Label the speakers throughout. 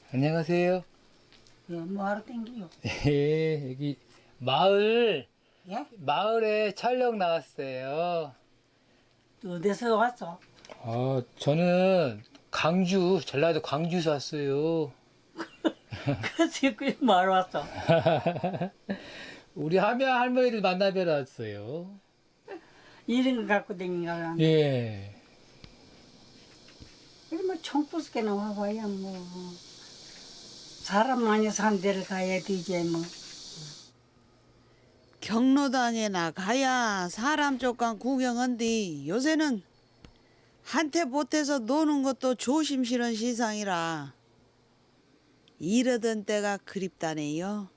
Speaker 1: 안녕하세요.
Speaker 2: 예, 뭐하러 땡기요?
Speaker 1: 예, 여기
Speaker 2: 예?
Speaker 1: 마을에 촬영 나왔어요.
Speaker 2: 어디서 왔어?
Speaker 1: 저는 전라도 광주에서 왔어요.
Speaker 2: 그치, 그게 뭐하러 왔어?
Speaker 1: 우리 함양 할머니들 만나뵈러 왔어요.
Speaker 2: 이런 거 갖고 댕기가
Speaker 1: 예.
Speaker 2: 이러면 총부스게 나와봐야 뭐 사람 많이 산 데를 가야 되지 뭐.
Speaker 3: 경로당에나 가야 사람 쪽간 구경한디 요새는 한테 보태서 노는 것도 조심스런 시상이라 이러던 때가 그립다네요.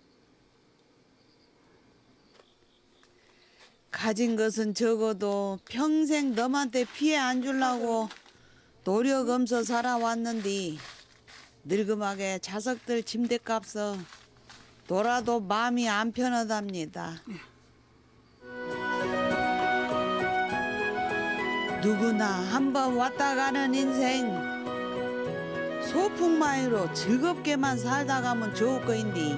Speaker 3: 가진 것은 적어도 평생 너한테 피해 안 주려고 노력엄서 살아왔는데 늙음하게 자석들 침대값서 놀아도 마음이 안 편하답니다. 누구나 한번 왔다 가는 인생 소풍마이로 즐겁게만 살다 가면 좋을 거인데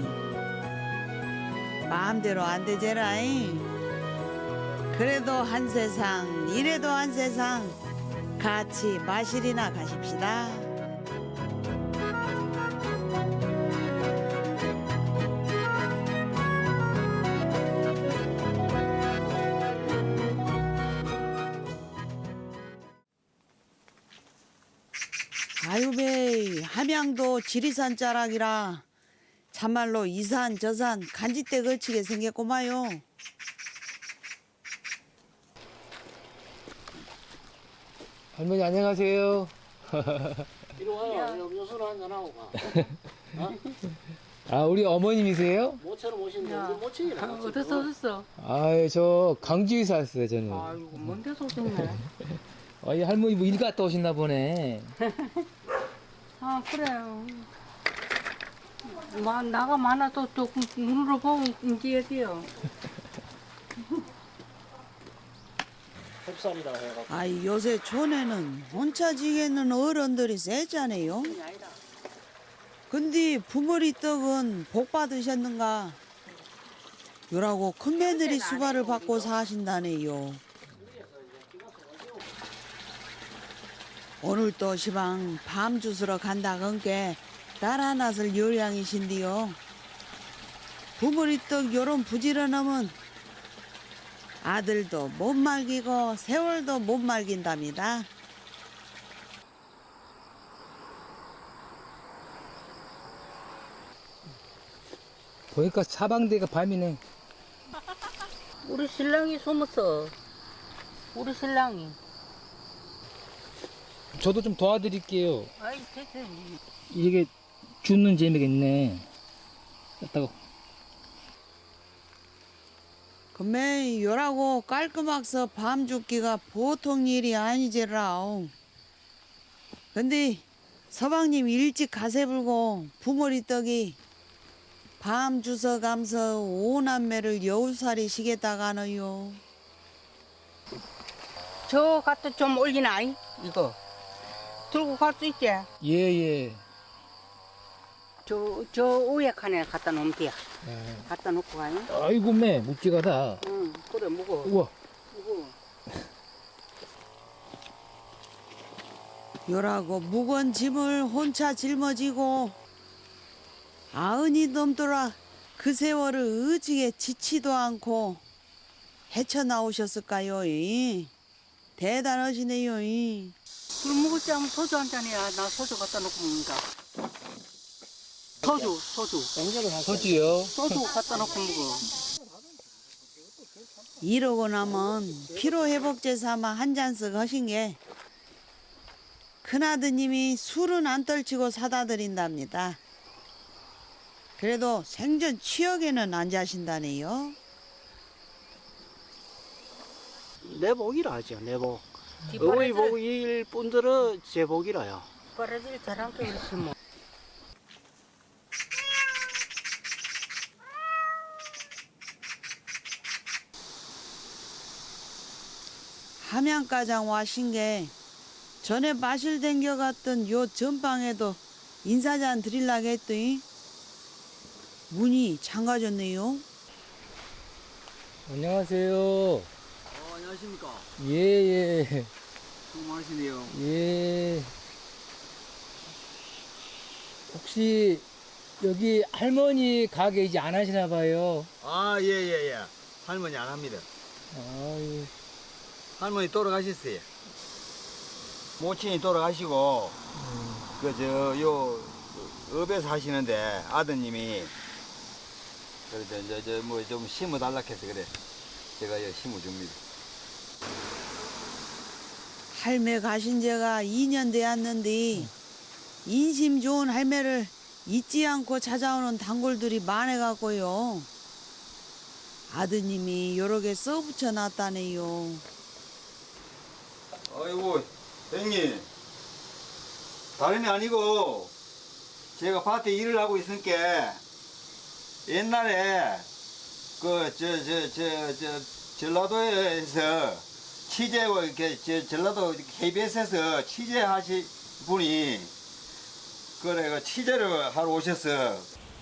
Speaker 3: 마음대로 안 되제라잉. 그래도 한 세상 이래도 한 세상 같이 마실이나 가십시다. 아유베 함양도 지리산 자락이라 참말로 이산 저산 간짓대 걸치게 생겼고마요.
Speaker 1: 할머니 안녕하세요.
Speaker 4: 이리 와요. 음료수나 한잔하고 가.
Speaker 1: 우리 어머님이세요?
Speaker 4: 모처럼 오신데 우리 모친이라.
Speaker 2: 어딨어?
Speaker 1: 저 광주에서 왔어요, 저는.
Speaker 2: 아이고, 먼 데서 오셨네.
Speaker 1: 이 할머니 뭐 일 갔다 오셨나 보네.
Speaker 2: 아, 그래요. 나가 많아도 조금 눈으로 보면 인지해야 돼요.
Speaker 4: 흡사합니다 해갖고.
Speaker 3: 아이 요새 촌에는 혼자 지게는 어른들이 세잖아요. 근데 부모리 떡은 복 받으셨는가? 요라고 큰며느리 수발을 받고 사신다네요. 오늘 또 시방 밤 주스러 간다 건게 딸 하나를 요량이신디요. 부모리 떡 요런 부지런함은 아들도 못 말기고 세월도 못 말긴답니다.
Speaker 1: 보니까 사방대가 밤이네.
Speaker 2: 우리 신랑이 숨었어. 우리 신랑이.
Speaker 1: 저도 좀 도와드릴게요.
Speaker 2: 아이, 됐어.
Speaker 1: 이게 죽는 재미가 있네. 딱
Speaker 3: 금매 요라고 깔끔하서 밤 죽기가 보통 일이 아니제라오. 근데 서방님 일찍 가세 불고 부모리 떡이 밤 주서 감서 오남매를 여우살이 시겠다가너요.
Speaker 2: 저 갖다 좀 올리나, 이거. 들고 갈 수 있지?
Speaker 1: 예.
Speaker 2: 저 위에 칸에 갖다 놓으면 돼. 갖다 놓고 가요.
Speaker 1: 아이고 매 묵직하다.
Speaker 2: 응, 그래, 무거워.
Speaker 1: 우와.
Speaker 2: 무거워.
Speaker 3: 요라고 무거운 짐을 혼자 짊어지고 아흔이 넘더라 그 세월을 의지게 지치도 않고 헤쳐나오셨을까요? 대단하시네요.
Speaker 2: 술 먹을 때 하면 소주 한 잔이야. 나 소주 갖다 놓고 먹는다. 소주.
Speaker 4: 연결을 하세요.
Speaker 1: 소주요.
Speaker 2: 소주 갖다 놓고 먹어.
Speaker 3: 이러고 나면 피로회복제 삼아 한 잔씩 하신 게 큰아드님이 술은 안 떨치고 사다 드린답니다. 그래도 생전 취역에는 안 자신다네요.
Speaker 4: 내 복이라 하죠. 내 복. 어머니 복일 분들은 제 복이라요.
Speaker 2: 버려질 잘한 게 그렇지 뭐.
Speaker 3: 함양가장 와신 게 전에 마실 댕겨갔던 요 전방에도 인사잔 드리려고 했더니 문이 잠가졌네요.
Speaker 1: 안녕하세요.
Speaker 4: 안녕하십니까.
Speaker 1: 예.
Speaker 4: 수고 많으시네요.
Speaker 1: 예. 혹시 여기 할머니 가게 이제 안 하시나 봐요.
Speaker 5: 예. 할머니 안 합니다.
Speaker 1: 아유.
Speaker 5: 할머니 돌아가셨어요. 모친이 돌아가시고, 요, 읍에서 하시는데, 아드님이, 그래서 뭐 좀 심어달라 해서 그래. 제가 심어줍니다.
Speaker 3: 할매 가신 지가 2년 되었는데 인심 좋은 할매를 잊지 않고 찾아오는 단골들이 많아갖고요. 아드님이 여러 개 써붙여 놨다네요.
Speaker 5: 아이고, 형님. 다름이 아니고, 제가 밭에 일을 하고 있으니까, 옛날에, 전라도에서 취재하고, 이렇게, 전라도 KBS에서 취재하신 분이, 그래, 취재를 하러 오셨어.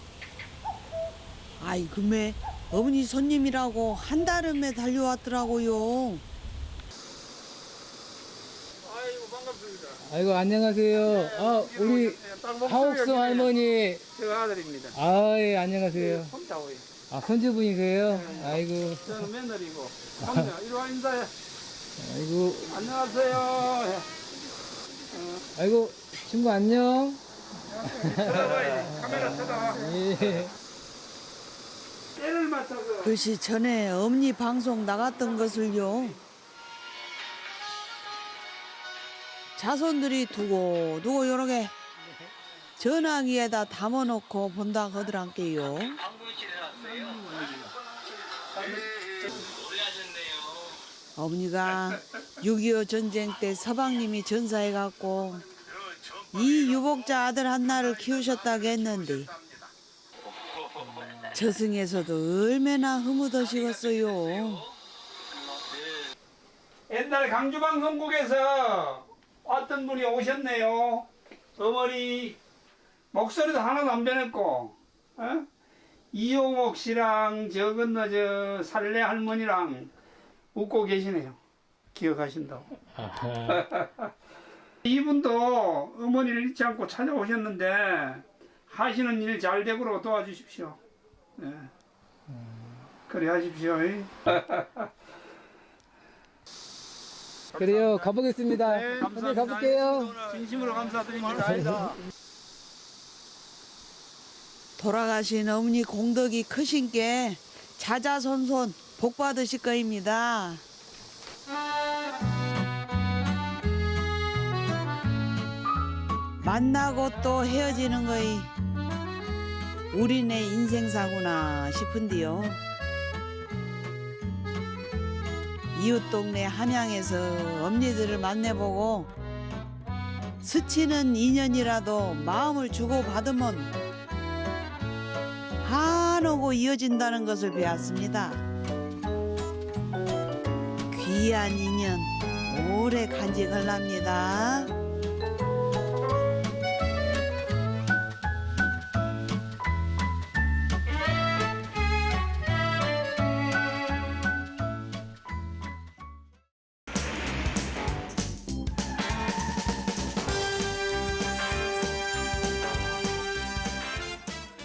Speaker 3: 아이 금에 어머니 손님이라고 한달음에 달려왔더라고요.
Speaker 1: 아이고, 안녕하세요. 아, 우리 하옥수 할머니.
Speaker 4: 제가 아들입니다.
Speaker 1: 아, 예, 안녕하세요.
Speaker 4: 혼자 오요.
Speaker 1: 아, 손주분이세요? 아이고,
Speaker 4: 저는 며느리고. 혼자 이리 와 인사해.
Speaker 1: 아이고,
Speaker 4: 안녕하세요.
Speaker 1: 아이고, 친구 안녕.
Speaker 4: 쳐다봐야지. 카메라 쳐다봐.
Speaker 1: 예.
Speaker 4: 때를 맞춰서.
Speaker 3: 글씨 전에 어머니 방송 나갔던 것을요. 자손들이 두고두고 여러 개 전화기에다 담아놓고 본다 하더란께요. 어머니가 6.25 전쟁 때 서방님이 전사해갖고 이 유복자 아들 한나를 키우셨다고 했는데 저승에서도 얼마나 흐뭇하시겠어요.
Speaker 4: 옛날 강주방송국에서 어떤 분이 오셨네요. 어머니 목소리도 하나도 안 변했고, 이용옥 씨랑 저 건너 저 살래 할머니랑 웃고 계시네요. 기억하신다고.
Speaker 1: 아하.
Speaker 4: 이분도 어머니를 잊지 않고 찾아오셨는데 하시는 일 잘 되도록 도와주십시오. 네. 그래 하십시오.
Speaker 1: 그래요, 가보겠습니다.
Speaker 4: 네,
Speaker 1: 한번 가볼게요.
Speaker 4: 진심으로 감사드립니다.
Speaker 3: 돌아가신 어머니 공덕이 크신 게 자자손손 복 받으실 거입니다. 만나고 또 헤어지는 거이 우리네 인생사구나 싶은데요. 이웃 동네 함양에서 언니들을 만나보고 스치는 인연이라도 마음을 주고받으면 한오고 이어진다는 것을 배웠습니다. 귀한 인연 오래 간직하랍니다.